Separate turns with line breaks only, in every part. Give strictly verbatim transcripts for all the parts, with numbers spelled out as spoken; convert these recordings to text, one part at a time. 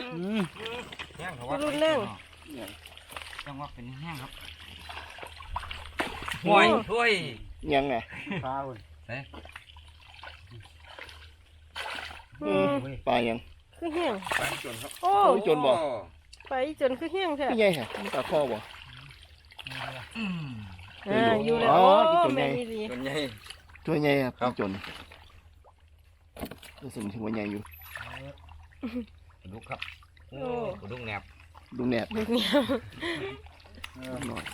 แห้งเขาว่า
รุ่นแรง
จังว่าเป็นแห้งครับห่วยห่วย
ยังไง
ปลาหุ่น
เฮ้ย
อืม
ปลายัง
คือแห้ง
ไปจนครับ
โอ้
จนบ่
ไปจนคือแห้งแท้
ไม่ใช่ฮะมันปลาคอบ่
อืม
อ่าอยู่แล้ว
อ๋อ
โอ้
ตัวใหญ่
แม่นี่ดี
จนใหญ่
ตัวใหญ่ครับ
ครับ
จนรู้สึกถึงว่าใหญ่อยู่
ปลาดุกครับโอ้ปลาดุกแหนบ
ดูแหนบ
เด็กเนี่ย
หน่อย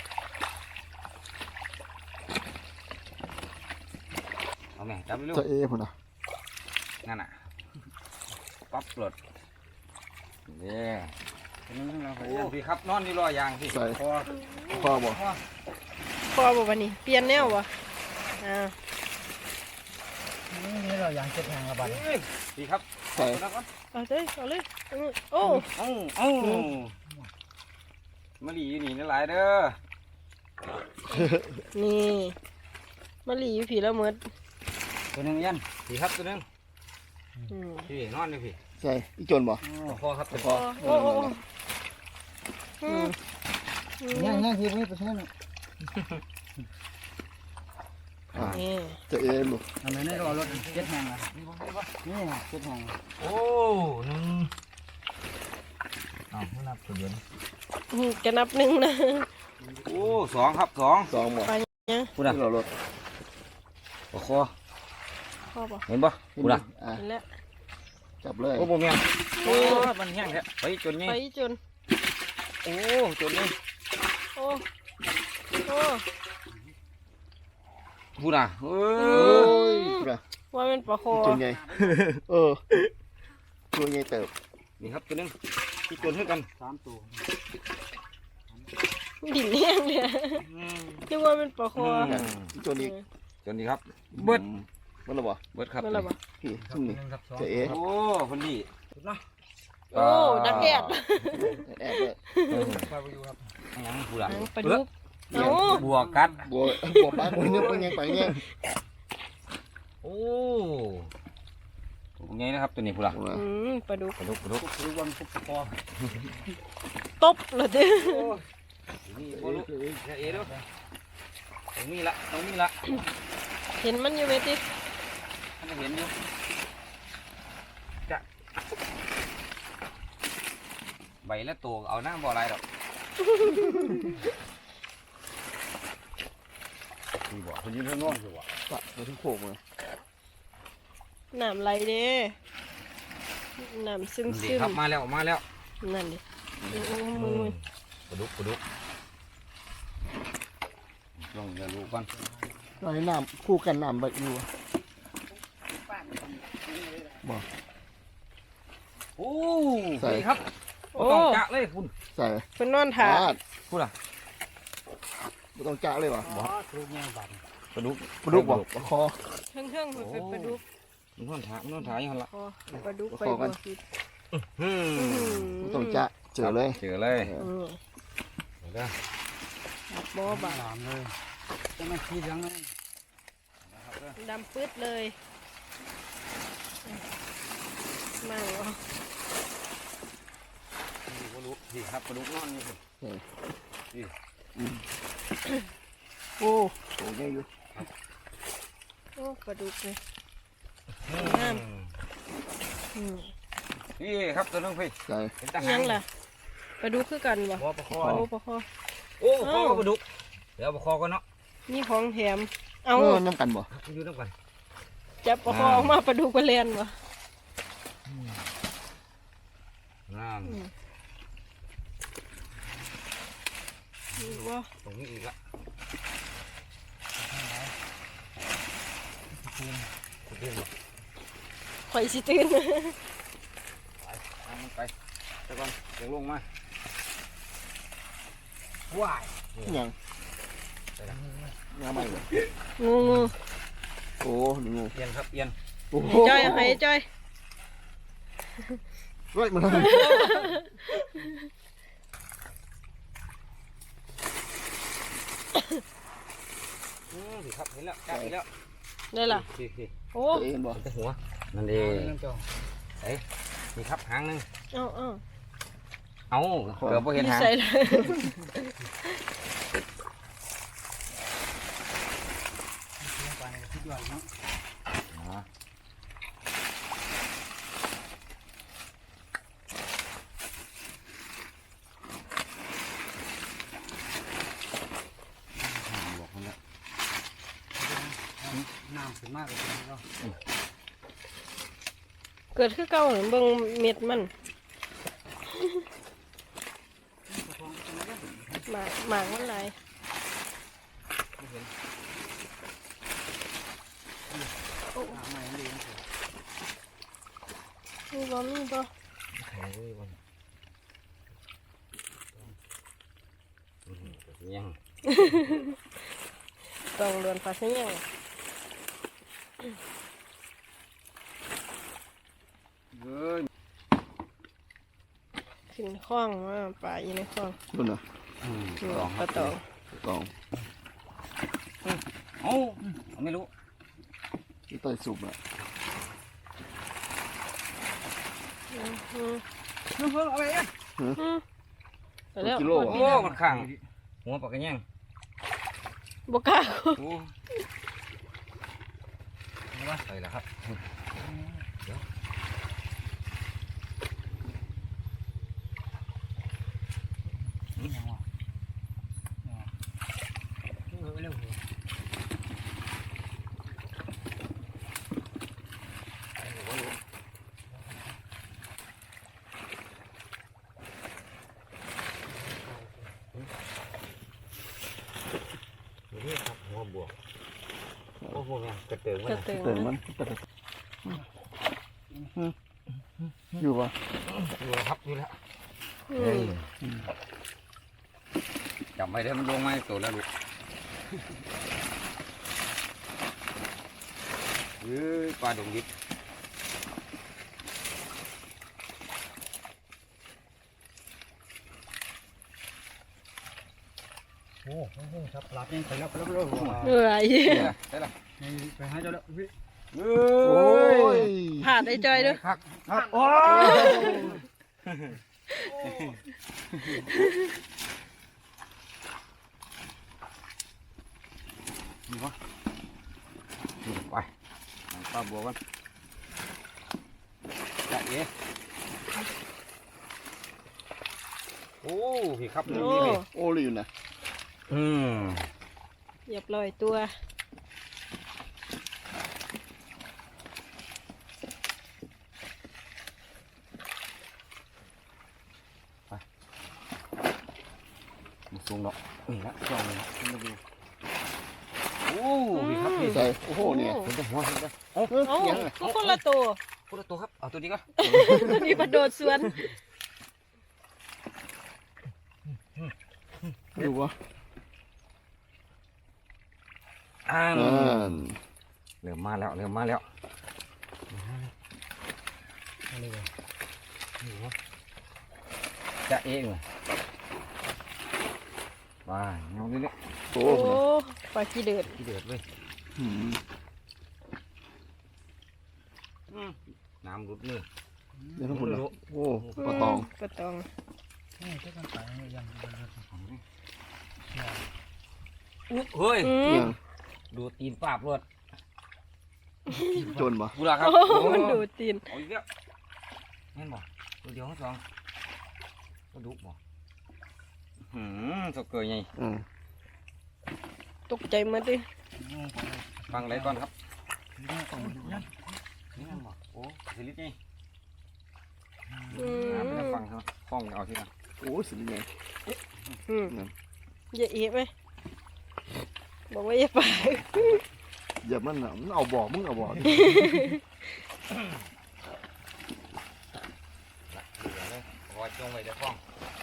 เอาแม่จับเร็ว
จะเอ๋พุ่นอ่ะ
นั่นน่ะปั๊บหลดเนี่ย
เป็นนั่งเราไป
โอ้พี่ครับนอนนี่รอยางพี่
ใส่
คอ
คอบ่
คอ
พอบ่บัดนี้เปลี่ยนแนวบ่อ่า
นี่เราอย่างเจ็ดแห่งละบาท
เอ้ยพี่ครับ
ใส่
แล้วก็
เอาเลยเอาเลยเอาเลยโอ้
เอ้าเอ้ามาหลีอยู่นี่นี่หลายเด้อ
นี่มะลิอยู่ผีละเมิด
ตัวหนึงยันพี่ครับตัวหนึง
อืม
พี่นอนอยู่พี่
ใส่อีจนบ่
คอครับตัวค
โอ้
อ
โอ้โอ้โอ้อืมอืม
เนี่ยเนี่ยทีนี้ตัวนี้
อ่า
นี่
จะเอ๋ลูก
ทำไมไม่รอรถเจ็ดแห่งล่ะนี่เจ็ดแห่ง
โอ้หนึ่งอ้าวไม่นับตัวเดียวนะ
อืมจะนับหนึ่งนะ
โอ้สองครับสอง
สองบ่
ไปเนี่ย
พูดอ่ะ
ที่เราลด
ตัวคอ
พ่อบอก
เห็นปะพูดอ่ะ
อ่ะ
เห็นแล้ว
จับเลย
โอ้โหแม่งโอ้มันแห้งแท้ไปจนไง
ไปจน
โอ้จนไง
โอ้โอ้
พูดอ่ะเอ
โอ้
อย
พุ่นอ่ะ
ว่าเป็นปลาคอ
จนใหญ่เออตัวใหญ่เติบ
นี่ครับตัวหนึงที่จนเท่ากัน
สามตัว
ดิ่นแห้งเลยคิดว่าเป็นปลาคอ
เนี่ยอีจนอีก
จนดีครับเบิด
เบิดแล้วบ่
เบิดครับ
นั่นแหละปะ
พี่ซุ่มนี่จะเอ๋
โอ้คนดี
โอ้ดักแดด
แอบเลย
ปลาไปอยู่ครับ
ยังพูดอ่ะ
หางปลาดุกเอา
บัวกัด
บัวบัวปลาคนนี้เป็นยังไปเนี่ย
โอ้ไงนะครับตัวนี้พูดอ่ะ
อืมปลาดุก
ปลาดุกปลาดุก
คือวันพุธคอ
ตบเลยเด้อ
นี่ปลาดุกเอ๋ด้วยตรงนี้ละตรงนี้ละ
เห็นมันอยู่ไหมติ
ท่านเห็นอยู่จะใบและตัวเอาหน้าบ่ออะไรดอกนี่บ่คนยืนเท่านอนอยู่บ่
ปะมาที่โขกเลย
น้ำไหลเด้น้ำซึม
ดี
ซึม
ครับมาแล้วมาแล้ว
นั่นดิโอ้โอ้มือ
ปลาดุกปลาดุกลองจะดูก่อน
ตอนนี้น้ำคู่กันน้ำใบอยู่บ่
โอ้ดีครับ
โอ้
ต้องจะเลยคุณ
ใส่
เป็นนอนถา
ปาด
พูดอ่ะ
ไม่ต้องจ้าเลยบ่
บ่คือเนี่ยบาท
ปลาดุก
ปลาดุกบ่ปลาคอ
เทิงเทิงๆมันเป็นปลาดุก
มันนอนถ่ายมันนอนถ่ายอย่างละ
คอปลาดุกไป
ขอกั
บ่
น
ผิด
อืม
ไม่ต้องจ้าเจอเลย
เจอเลย
อืม
เดี๋ยวนะ
บ่บาด
หลามเลยจะไม่ขี้ยังเลย
ดำปื๊ดเลยมั่งเหรอ
ปลาดุกดีครับปลาดุกนอนอยู่สิ
โอ้โหใหญ่อยู่
โอ้ปลาดุกเลยงามอืม
นี่ครับตัวนึงพี่
ใส่
เป็นทหาร
ยังล่ะปลาดุกคือกันบ่
หัวปลาคอ
โอ้ปลาคอ
โอ้ปลาคอปลาดุกเดี๋ยวปลาคอก่อนเนาะ
มีของแถมเอา
เออน้ำกันบ่
อยู่น้ำกัน
จับปลาคอออกมาปลาดุกไปเล่นบ่
น้ำ
นี่ว่า
ตรงนี้อีกละตื่นบ่
ข่อยสิตื่น
ไปเอามันไปเดี๋ยวก่อนเดี๋ยวลงมาว้าย
ยังยังไม่เลย
งูงู
โอ้นี่งู
เอียนครับเอียน
โอ้โห
จ้อยเอาให้จ้อย
เฮ้ยมันทำไม
อืมสิครับเห็นแล้วจับอีกแล้ว
ได้ล่ะ
พี่พี่
โอ้
ตัวเองบ่
แต่หัวนั่นเอ
เรื่อง งเจ้า
ไปเอ้ยนี่ครับหางหนึง
เอาเอา
เอาเกือบบ่เห็น
อยู่
หาง
ใส่เลย
ไปคิดว่าเนาะ
อ๋อบอกคนละ
น้ำขึ้นมากเลยเนาะ
เกิดคือเก่าเหมือนเบิ่งเม็ดมันหมากหมากมันหลาย
น้ำใหม่เลย
มีบ่มีบ่
เฮ้ยวันยัง
ต้องเรือนปลาเสียง
เฮ้ย
ขึ้นคล้องมาปลาอยู่ในคล้อง
นู่นน่ะ
อืม
นี่
ลอง
ปลาตอง
ตอง
เอ้าไม่รู้
ที่ใต้สุบอ่ะ
อืมอืม
น้ำเพิ่งเอาไปอ่ะ
อืมไปแล้ว
กิโล
โอ้มันขังหัวปากกระแยง
บ่กล้า
โอ้ไปแล้วครับเดี๋ยว
ยังวะเร็ว
นี่ครับหัวบวกโอ้โหแม่กระเติง
ก
มั
ระ
น
เติง
เติม
มั
มัน นอยู่ปะ
อยู่แล้วครับอยู่แล้ว
อืม
จับไปได้มันลงมาตัวแล้วลูกเอ้ยปลาดงดิบ
โอ้โหครับหลับยังไปแล้วไปแล้วไปแล้ว
เหนื่อย
ได้ละ
ไปหาเจ้าแล้วพี่
เอ้
โอ้ย
ผ่านไอ้จอยเด้วย
ครับ
ครับโอ้
นี่วะนี่ไปปลาบัวกันจะเอ๋โอ้พี่ครับนี่
โอ้
นี่เลย
โอ้ยอยู่นะ
อืม
เรียบร้อยตัว
มันสูงเนาะนี่ละจองเลยนะขึ้นมาดูโอ้พี่ครับพี่
ใส่โอ้โหเนี่ย
เห็นแต่หัวเห็นแต่โอ้
เอ้ย
เอ้า
ยังไง
ก็คนละตัว
พูดตัวครับเอาตัวนี้ก็
ตัวนี้มาโดดสวน
อยู่ปะ
อ่า
อ่า
เริ่มมาแล้วเริ่มมาแล้วจะเองว้าเงาดิเนี่ย
โอ้
โอ้
โห
ปลาขี้เดือด
ที่เดือดเลย
อืม
น้ำรุดมือ
เดี๋ยวทั้งคนละโอ้ปลาตอง
ปลาตอง
นี่เจ้ากันไปยัง
อุ๊เฮ้ย
อืม
ยัง
ดูตีนปาบรวด
จนปะ
กูละครับ
โอ้มันดูดตีน
เอาอีกแล้วแม่นบ่ตัวเดียวทั้งสองก็ดุบ่หืมสกเกยไง
อืม
ตกใจหมาดิ
ฟังไรก่อนครับ
นี่ต้องยัง
นี่แม่นบ่โอ้สิลิตไง
อื
น้ำไม่ได้
ม
ฟังครับฟ้องเอาที่นั่น
โอ้ยสุดยังไง
อืมอย่าเอะไหมบอกว่าอย่าไป
อย่ามันน่ะมันเอาบอกมึงเอาบอกดิ
เหลือเลยรอจงไว้เดี๋ยวฟ้อง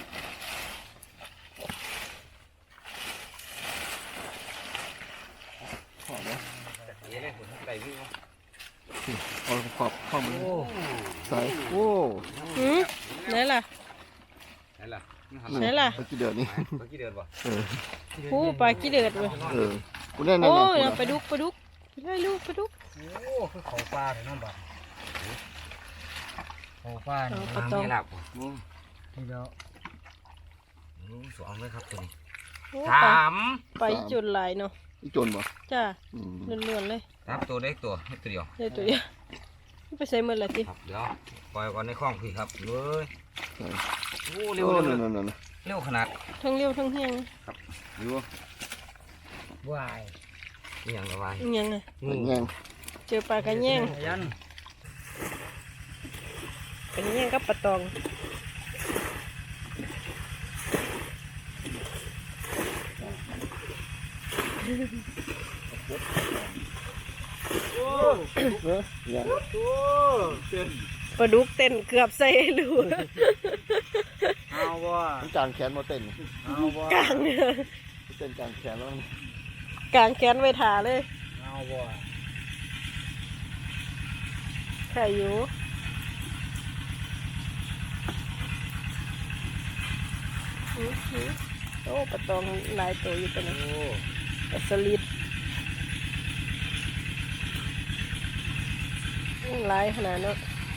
ขอแล้ว
เอ๋เลยผมใส่วิ่ง
เอาขอบข้อมือ
โอ้
ใส่โอ้
อืมไหนล่ะ
ไหนล่ะ
ไหนล่ะ
ตะกี้เดือดนี่
เมื่อกี้เดินบ่
เออ
ผู้ปลาขี้เดือดเว้ย
เออกูแน่นอน
โอ้
นะ
ยเอาไปดุกไปดุกไปได้ลูกไปดุก
โอ้คือเขาปลาเลยน้องบ้าโอ้ป้า
เอา
นี่
ปลาตอง
ไม่หลับบ่
เดี๋ยว
อืมสองเลยครับตัวนี้
โอ้
สาม
ไปจุดหลายเนาะ
อีจนบ่
จ้า
อืม
เลื่อนๆเลย
สามตัวเล็กตัวให้ตัวเดียว
เลยตัวเดียวไปใส่มือละติ
ครับเดี๋ยวปล่อยก่อนในคลองพี่ครับเลย
ใช่
โอ้เร็ว
โอ้
เร็ว
นั่น
เร็ว
นั่นนั่น
เร็วขนาด
ทั้งเร็วทั้งแห้ง
อยู่
วาย
นี่อย่างระบาย
อิหยังไง
งู
แง่ง
เจอปลากระแยง
ยัน
กระแยงกับปลาตอง
เออแง่ง
ปลาดุกเต้นเกือบใส่รู
เอาบ่
มันจางแขนมาเต้น
เอาบ่
กลางเนี่ย
เต้นจางแขนแล้ว
กลางแขนไว้ถาเลย
เอาบ่
ใครอยู่อื้อหือโอ้ปลาตองหลายตัวอยู่ตัวนี้
โอ้
ปลาสลิดอื้อหลายขนาดเนาะ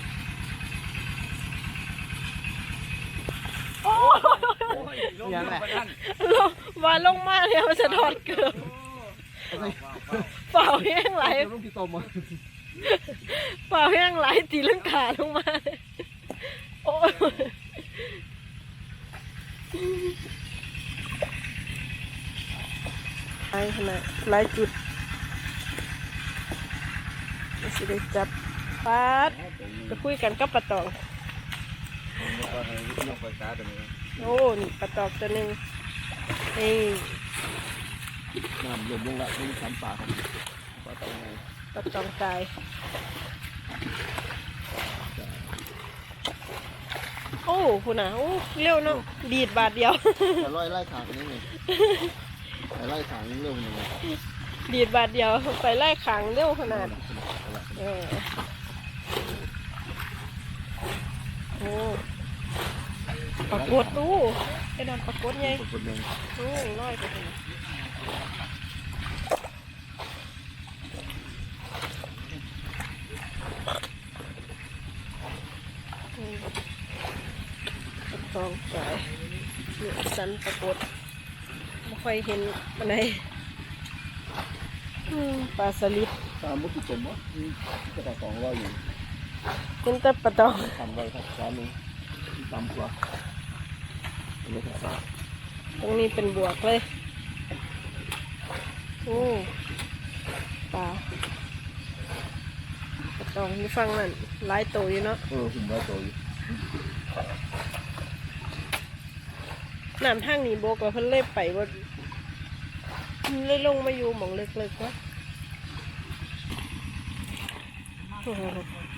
ยังแหละ
ลงมาลงมาเลยมันจะถอดเกือบเปล่าแห้งไหล
ลูกพี่ตมอ่ะ
เปล่าแห้งไหลตีลังกาลงมาเลยโอ้ยหลายขนาดหลายจุดมันสิได้จับปาดไปคุยกันกับปลาตอง
ลงไปตาตัวนี้
โอ้นี่ปลาตองตัวหนึ่งนี่
น้ำลมลงละนี่สามปากปลาตองไง
ปลาตองตายโอ้คุณน่ะโอ้เร็วเนาะดีดบาทเดียว
แต่ร้อยไล่ขางนี่ไงแต่ไล่ขางนี่เร็วหนึ่ง
ดีดบาทเดียวไปไล่ขังเร็วขนาดเออโอ้ปรากฏตู้ไอ้นั่นปรากฏไง
คนหนึ่ง
โอ้ร้อยไปถึงอืมปลาตองสายนี่สันปรากฏไม่ค่อยเห็นอันไหนอืมปลาสลิด
ตามมุกพี่ตมวะก็ต่อสองร้อยอยู่
เป็นแต่ปลาตอง
ทำไว้ครับร้านนึงต่ำกว่าอันนี้ครับ
ตรงนี้เป็นบวกเลย โอ้ปลาปลาตองที่ฟังนั่นหลายตัวอยู่เนาะ
เออผมว่าตัวอยู่
น้ำทางนี้โบกแล้วเพิ่นเล่ไปว่าเลยลงมาอยู่หมองเล็กๆวะโอ้โห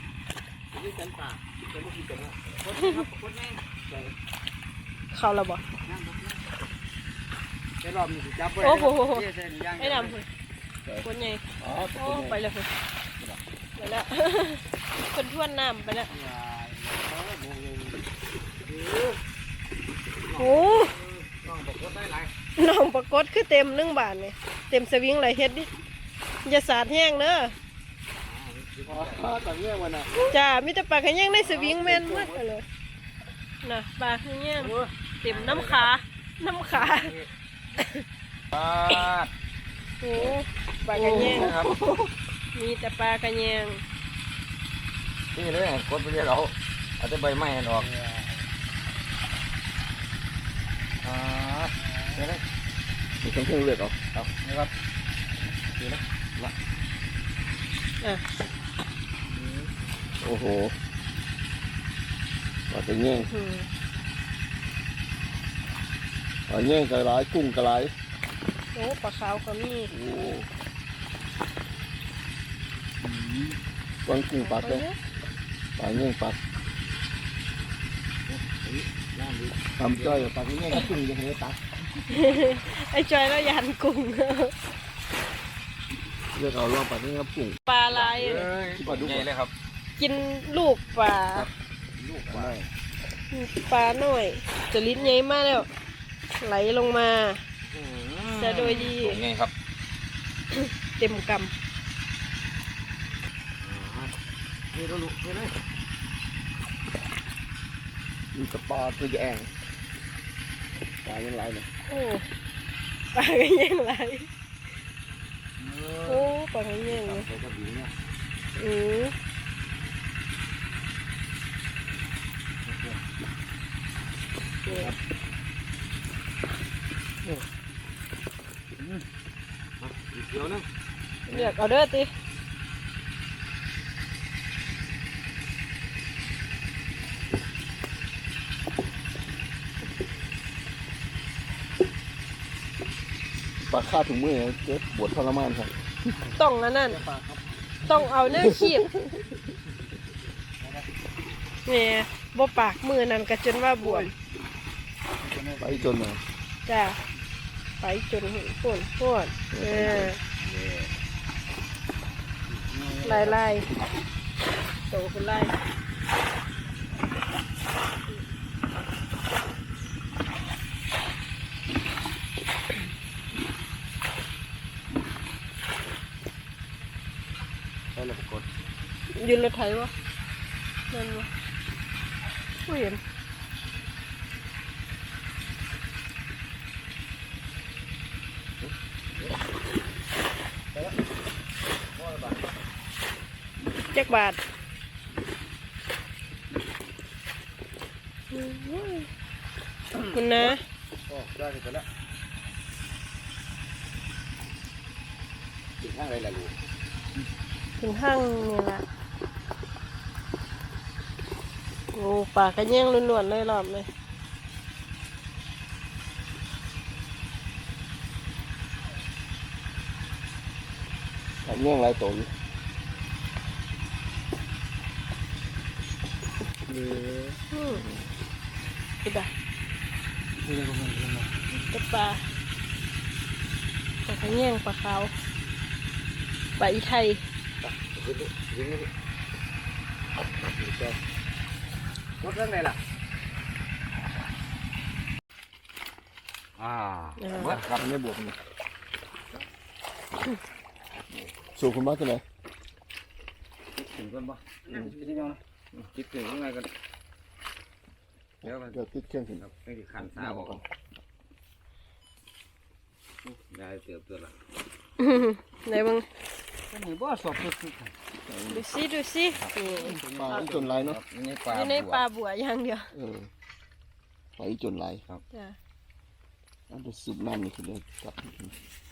เขาและบ่
ไอ้รอบนี้สิจับไว้
โอ้โห
เจ๊เส้นย่าง
ไอ้ดำเพิ่นคนใหญ่
อ๋อ
โอ้ไปแล้วเพิ่นไปแล้ว เพิ่นทวนน้ำไปแล้วโอ้
น้องบอกว่าได้หลาย
น้องปรากฏคือเต็มหนึ่งบาทเลยเต็มสวิงเลยเฮ็ดดิอย่าสาดแห้งเด้อ
อ๋อต่างเงี้ยวันน่ะ
จ้ามีแต่ปลาขะแยงในสวิงแม่นหมดเลยน่ะปลาขะแยงเต็มน้ำขาน้ำขา
ปาด
โอ้ปลาขะแยง
นะครับ
มีแต่ปลาขะแยง
นี่เลยกดไปเรื่อยเราเอาแต่ใบไม้ออกอ่าเดี๋ยวนะ
มีทั้งเครื่องเลือดออก
เอานี่ครับดีนะละ
อ่ะ
โอ้โหปลาตะเงี้ย
อืม
ปลาเงี้ยกระไรกุ้งกระไร
โอ้ปลาขาวก็มี
โอ้วางกุ้งปักเลยปลาเงี้ยปักทำจ้อยปลาเงี้ยกับกุ้งยังไงปัก
ไอ้จอยแล้วยันกุ้ง
เลือกเอาลองปลาเงี้ยกับกุ้ง
ปลาลาย
เอ้ยปลาดุกใหญ่เลยครับ
กินลูกปลา
ลูกปลา
ปลาหน่อยจะลิ้นใหญ่มากแล้ว ไหลลงมา จะโดยดี
ไงครับ
เต็มก
นี่เราลุกนี่เลย
ำ
มีสปาตัวแองปลายังไรเลย
โอ้ปลาก็ยังไหลโอ้ปลาก็ยังเลย
ใส่กระบี่เนี่ย
อือเนี่ย
อีกเดียวนึง
อยากเอาเด้อติ
ปลาฆ่าถุงมือเจ็บปวดทรมานครับ
ต้องอันนั้นต้องเอาเนื้อขีดเนี่ยบ่ปากมือนั่นก็จนว่าบวม
ไปจนเลย
จ้าไปจนหุ่นปุ่นปุ่นเออไล่ไล่โตขึ้นไล่
ใส่แล้วก็กด
ยืนรถไถวะนั่นวะไม่เห็นจักบาทคุณนะ
โอ้ได้ไปแล้วถึงข้างไรล่ะลูก
ถึงห้างนี่ละโอ้ปากกระแย่งล้วนๆเลยรอบเลย
แต่เงี้ยงไรตัวอยู่
อืมคือแบบ
นี่เลยผมเห็นแล้ว
เป็นปลาปลากระแย่งปลาขาวปลาอีไทย
ขึ้นดิยิงเลยกดเรื่องไหนล่ะอ่าเบิดครับ
ไม่บวกเลยสูบคุณมาตัวไหน
ถึงกันปะคิดยังไงคิดถึงยังไงกันเดี๋ยวกัน
เดี๋ยวติดเครื่องถึง
ครับไม่ได้ขันสาบอกได้เติบตัวละ
ไหนบ้าง
ก็นี่บ่สอบสุด
ดูสิดูสินี่
ปลาจนไรเนาะ
นี่ปลา
อยู่ในปลาบัวอย่างเดียว
เออไปจนไร
จ้ะ
อันจะสูบน้ำนี่คือเลยกลับ